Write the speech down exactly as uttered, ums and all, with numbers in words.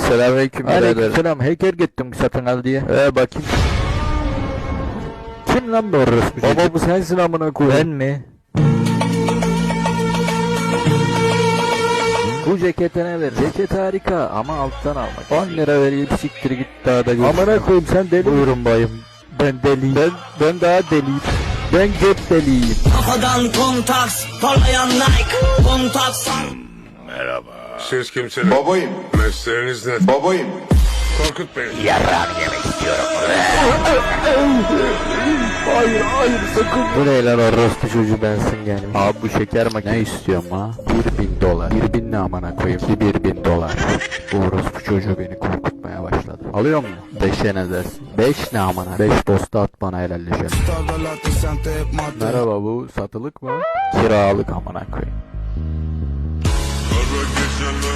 Selamünaleyküm birader. Aleykümselam. Hacker gittim satın al diye. Ee bakayım. Kim lan bu orospu çocuk? Baba bu sensin amına koyayım. Ben mi? Bu ceketine ver. Ceket harika ama alttan almak. on lira vereyim siktir git daha da gör. Amına koyayım sen deli. Buyurun bayım. Ben deliyim. Ben ben daha deliyim. Ben cep deliyim. Kafadan kontaks, parlayan Nike, kontaks. Merhaba. Siz kimsiniz? Babayım. Mesleğiniz ne? Babayım. Korkut beni. Hayır hayır sakın. Bu ne lan orospu çocuğu bensin gelmiş. Abi bu şeker makinesi. Ne istiyorum ha? Bir bin dolar. Bir bin ne amına koyayım? İki bir bin dolar. Bu orospu çocuğu beni korkutmaya başladı. Alıyor mu? Beşe ne dersin? Beş ne amına? Beş posta at bana helalleşelim. Merhaba bu satılık mı? Kiralık amına koyayım. Kara geceler